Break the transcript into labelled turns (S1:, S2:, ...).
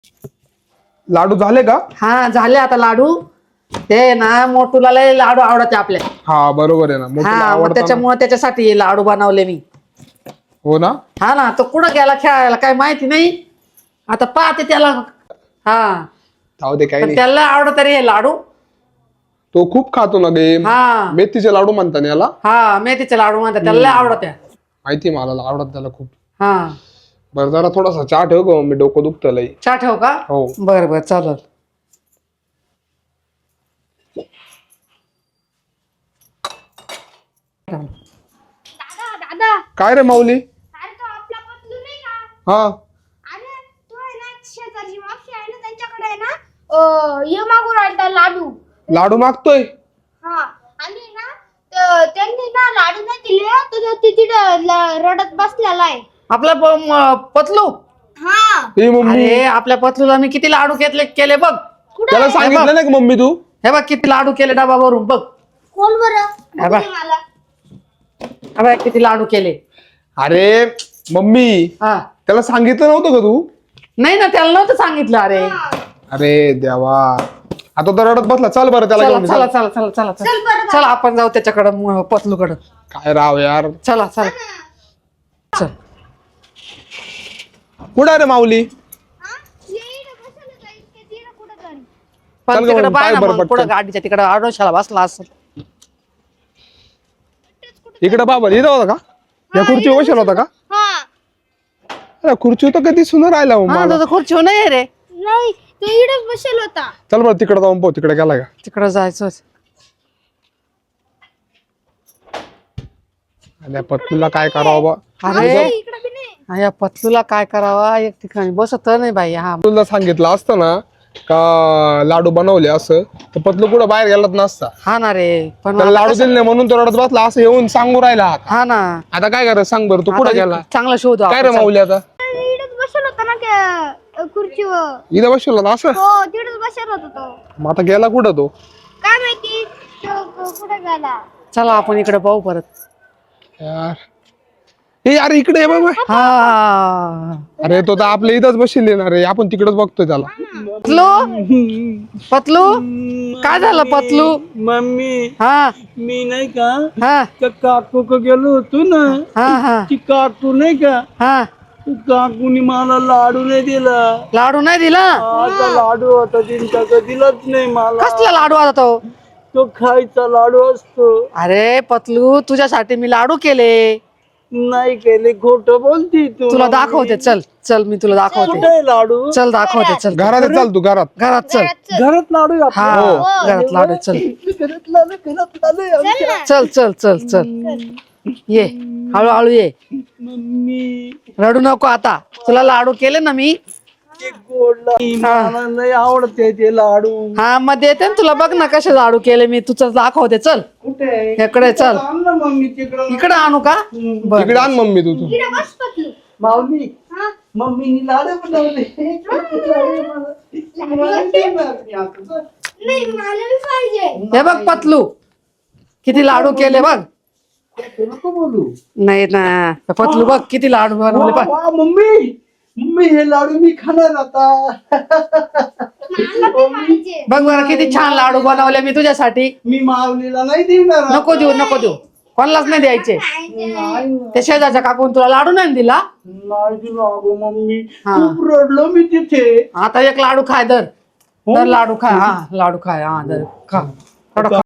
S1: लाडू झाले का?
S2: हा झाले आता लाडू. ते ना मोठूला लय लाडू आवडते आपल्या.
S1: हा बरोबर आहे ना, मोठीला
S2: हा मग
S1: आवडतं ना.
S2: त्याच्यामुळे त्याच्यासाठी हे लाडू बनवले मी.
S1: हो ना.
S2: हा ना, तो कुठं गेला खेळायला काय माहिती नाही. आता पाहते त्याला. हा
S1: जाऊ दे काही
S2: पण
S1: नाही.
S2: त्याला आवडत रे हे लाडू.
S1: तो खूप खातो ना गे.
S2: हा
S1: मेथीचे लाडू म्हणतात ना याला.
S2: हा मेथीचे लाडू म्हणतात त्याला लय आवडत.
S1: माहिती मला आवडत त्याला खूप.
S2: हा
S1: बरं जरा थोडासा चहा ठेव गं, मी डोकं दुखतं लई.
S2: चहा ठेव का?
S1: हो.
S2: बरं बरं चालेल.
S3: दादा दादा,
S1: काय रे माऊली?
S3: अरे तो आपला पतलू नाही का?
S1: हा
S3: अरे तो आहे ना, शेजारची मावशी आहे ना त्यांच्याकडे आहे ना, ये मागून राहिला लाडू.
S1: लाडू मागतोय.
S3: हा आणि ना त्यांनी ना लाडू नाही दिले, तर तो तिथे रडत बसलेला आहे.
S2: आपला पतलू.
S3: हा
S1: ए मम्मी,
S2: अरे आपल्या पतलूला मी किती लाडू केले बघ.
S1: त्याला सांगितलं नाही का मम्मी तू?
S2: हे बघ किती लाडू केले डबा भरून बघ.
S3: कोण बरं?
S2: हे बघ.
S3: बघू दे मला.
S2: हे बघ किती लाडू केले.
S1: अरे मम्मी,
S2: हा
S1: त्याला सांगितलं नव्हतं का तू?
S2: नाही ना त्याला नव्हतं सांगितलं. अरे
S1: अरे देवा, आता तो रडत बसला. चल बरं त्याला
S2: चला
S1: घेऊन
S2: चला
S1: चल.
S2: चला चला चला
S3: चल
S2: चला
S3: बरं
S2: चला आपण जाऊ त्याच्याकडं पतलूकडं.
S1: काय राव यार.
S2: चला चला चल.
S1: कुठं आहे रे माऊली?
S3: हा? ये इकडे बसलं जाईल की तिकडे कुठं तरी.
S2: पण
S1: चल गं
S2: तिकडे
S1: मग,
S2: पाय
S1: पाय
S2: ना
S1: बरं
S2: मग
S1: पटकन.
S2: पुढं गाडीच्या तिकडं आडोशाला बसला असं.
S1: इकडे बाबा इथं होता का? या खुर्चीवर बसला होता का?
S3: हा
S1: अरे खुर्ची तर कधी सुन राहिला हो
S2: हा
S1: मला.
S2: तो खुर्ची नाही रे.
S3: नाही, तो इकडेच बसेल होता.
S1: चल बरं तिकडे जाऊन पाहू, तिकडे गेला का?
S2: तिकडं जायचं.
S1: आणि पत्तूला काय करावं बा?
S2: अरे
S3: इकडे बी नाही.
S2: हा, या पतलूला काय करावा, एक ठिकाणी बसत नाही बाई. हा
S1: तुला सांगितलं असतं ना का लाडू बनवले असं, तर पतलू कुठं बाहेर गेलाच नसता.
S2: हा ना रे. पण
S1: त्याला लाडू दिले नाही म्हणून तो रडत बसला असं येऊन सांगू राहिला.
S2: हा ना.
S1: आता काय करायचं सांग बरं, तू कुठं
S2: आता
S1: गेला?
S2: चांगला शोध
S1: काय रे माऊली आता?
S3: इकडेच बसेल होता ना त्या खुर्चीवर.
S1: इथं बसला ना असं?
S3: हो तिकडेच बसेल होता तो.
S1: मग आता गेला कुठं तो?
S3: काय माहिती तो कुठे गेला.
S2: चला आपण इकडे पाहू परत.
S1: यार ए यार इकडे ये बाबा.
S2: हा
S1: अरे तो तर आपल्या इथंच बसले ना रे, आपण तिकडच बघतोय त्याला.
S2: पतलू पतलू काय झालं पतलू?
S4: मम्मी,
S2: हा
S4: मी नाही का
S2: हा
S4: त्या काकू को गेलो होतो ना,
S2: हा हा
S4: ती काकू नाही का,
S2: हा
S4: काकूनी मला लाडू नाही दिला.
S2: लाडू नाही दिला?
S4: आता लाडू होता तिचा का दिलाच नाही मला.
S2: कसला लाडू आता तो?
S4: तो खायचा लाडू असतो.
S2: अरे पतलू तुझ्यासाठी मी लाडू केले.
S4: नाही केले, खोट बोलती तू.
S2: तुला दाखवते. चल चल मी तुला दाखवते.
S4: कुठे लाडू?
S2: चल दाखवते. चल
S1: घरात ये, चल तू घरात.
S2: घरात चल.
S4: घरात लाडू आहे
S2: हा
S4: आपल्या.
S2: घरात लाडू आहे, चल.
S4: घरात लाडू, घरात लाडू आहे आमच्या.
S2: चल चल चल चल ये हळूहळू ये.
S4: मम्मी,
S2: रडू नको आता. तुला लाडू केले ना मी.
S4: ते गोड लाडू मला नाही आवडते ते लाडू.
S2: हा मग देते ना तुला. बघ ना कसे लाडू केले मी. तुझं दाखवते. चल
S4: कुठे?
S2: इकडे चल.
S4: आण ना मम्मी तिकडं.
S2: इकडे आणू का? बर
S1: इकडे आण मम्मी तू.
S3: इकडे बस पतलू.
S4: माऊली,
S3: हा
S4: मम्मीनी लाडू बनवले.
S3: नाही मला बी पाहिजे.
S2: हे बघ पतलू किती लाडू केले बघ.
S4: नको बोलू.
S2: नाही ना पतलू बघ किती लाडू बनवले
S4: वा,
S2: बघ.
S4: वा, मम्मी, मम्मी हे लाडू मी खाणार आता.
S3: मला बी पाहिजे.
S2: बघ बरं किती छान लाडू बनवले मी तुझ्यासाठी.
S4: मी माऊलीला नाही देणार आता.
S2: नको देऊ नको देऊ. कोणालाच नाही द्यायचे.
S4: नाही
S2: ते शेजारच्या काकून तुला लाडू नाही दिला.
S4: नाही दिला अगं मम्मी.
S2: हा.
S4: खूप रडलो मी तिथे.
S2: आता एक लाडू खाय दर. दर लाडू खाय. हा लाडू खाय. हा दर खा. थोडं खा.